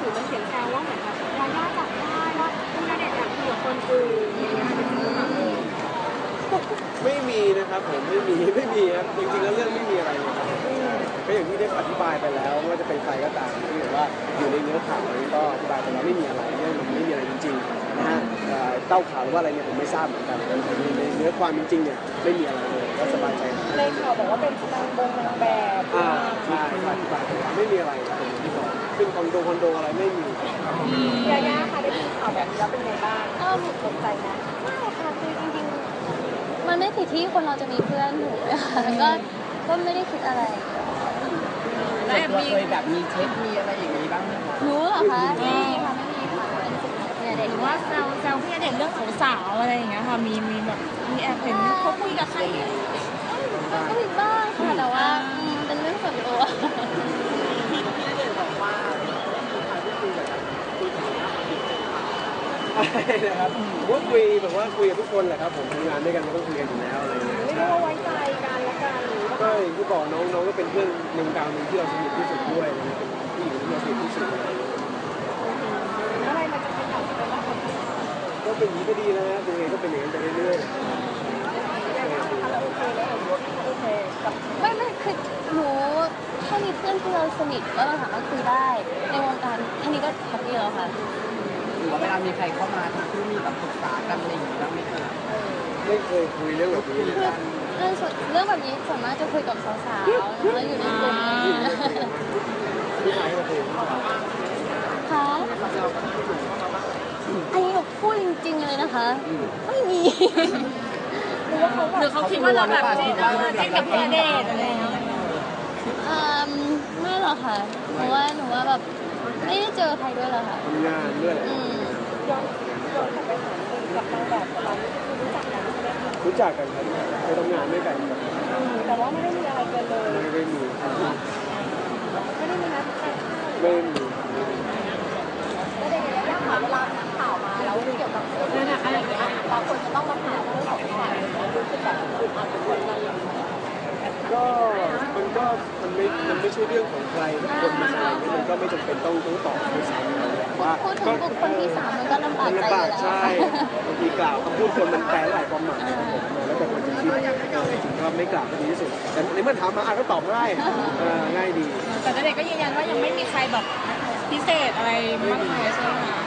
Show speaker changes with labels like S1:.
S1: อมันเขียนแซวว่าเหมือนแบบยาย่าจับได้ว่าคุณณเดชน์อยากคุยกับคนอื่นอย่างเงี้ยเป็นจริงหรือเปล่า
S2: ไม่มีนะครับผมไม่มีครับจริงๆแล้วเรื่องไม่มีอะไรเลยครับก็อย่างที่ได้อธิบายไปแล้วว่าจะเป็นใครก็ตามที่แบบว่าอยู่ในเนื้อข่าวนี้ก็อธิบายไปแล้วไม่มีอะไรเรื่องมันไม่มีอะไรจริงๆนะฮะเต้าข่าวหรือว่าอะไรเนี่ยผมไม่ทราบเหมือนกันแต่ในเนื้อความจริงๆเนี่ยไม่มีอะไรเลยก็สบายใจ
S1: ในข่าวบอกว่าเป็นนางแบบ
S2: ใช่อธิบายไปแล้วไม่มีอะไรผมที่บอกขึ้นคอนโดอะไรไม่มี
S1: ยาย่าค่ะได้ยินข่าวแบบนี้แล้วเป็นไงบ้างตกใจไหม
S3: ไม่ค่ะคือจริงๆมันไม่ผิดที่คนเราจะมีเพื่อนถูกไหมคะก็ไม่ได้คิดอะไร
S4: แล้วเคยแบบมีเช็คมีอะไรอย่างนี้บ้างไหมคะ
S3: รู้เหรอคะไม่มีค่ะไม่มีค่ะเป็นสิ่งของพี่ณเดชน์
S1: หรือว่าแซวพี่ณเดชน์เรื่องสาวๆอะไรอย่างเงี้ยค่ะมีแบบมีแอบเห็นเขาคุยกับใคร
S3: ก็มีบ้างค่ะแต่ว่าเป็นเรื่องส่วนตัว
S2: พี่ณเดชน์บอกว่าอะไรนะครับผมก็คุยแบบว่าคุยกับทุกคนแหละครับผมทำงานด้วยกันก็ต้องคุยกันอยู่แล้วอะไรอย่างเงี้ย
S1: ไม่รู้ว่าไว้ใจกันและกันหรือ
S2: ก็อย่างที่บอกน้องก็เป็นเพื่อนในวงการนึงที่เราสนิทที่สุดด้วยเป็นผู้หญิงที่เราสนิทที่สุด
S1: อะไรมันจะเป็นแบบเป็นว่าคน
S2: ก็เป็นอย่างนี้ก็ดีแล้วนะยังไงก็เป็นอย่างนั้นไปเรื่อย
S3: ไม่คือหนูแค่มีเพื่อนที่เราสนิทแล้วเราสามารถคุยได้ในวงการแค่นี้ก็แฮปปี้แล้วค่ะ
S4: หรือว่าเวลามีใครเข้ามาที่มีแบบปรึกษากันอะไรอย่างนี้บ้างไหมคะ
S2: ไม่เคยคุยเรื่องแบบนี้เลย
S3: เรื่องแบบนี้สามารถจะคุยกับสาวๆแล้วอยู่ในกลุ่ม
S2: ผู้ชายก็คุย
S3: ค่ะอันนี้หนูพูดจริงๆเลยนะคะไม่มี
S1: หรือเขาคิดว่าเราแบบเจ๊กับพี่ณเดชน์อะไรอย่างเงี้ย
S3: ไม่หรอกค่ะหนูว่าแบบไม่ได้เจอใครด้วยหรอกค่ะ
S2: ทำงานด้วย
S1: ย้อนกลับไปถามกับนางแบบเรารู้จักกันใช่ไหมคะ
S2: รู้จักกันครับไปทำงานด้วยกัน
S1: แต่ว่าไม่ได้มีอะไรกันเลย
S2: ไม่ได้มี
S1: นัดกัน
S2: ไม่มี
S1: ก็ได้ยากค่ะเวลาข่าวมาแล้วเกี่ยวกับเรื่องอะไรอย่างเงี้ยบางคนจะต้องมาถามเรื่องของฝ่ายรู้สึกแบบอึดอัดเป็นคนอะไรอย่างเงี้ย
S2: ก็มันไม่ใช่เรื่องของใครทุกคนมันอะไรมันก็ไม่จำเป็นต้องตอบด้วยซ้ำว่า
S3: พูดถึงบุคคลที่3มันก็ลำบากใจอยู่แล้ว
S2: ใช่บางทีกล่าวคำพูดคนมันแปลหลายความหมายแล้วแต่คนจะคิดจริงก็ไม่กล่าวก็ดีที่สุดแต่ในเมื่อถามมาก็ตอบง่ายง่ายดี
S1: แต่ณเดชน์ก็ยืนยันว่ายังไม่มีใครแบบพิเศษอะไรมากมายใช่ไหมคะ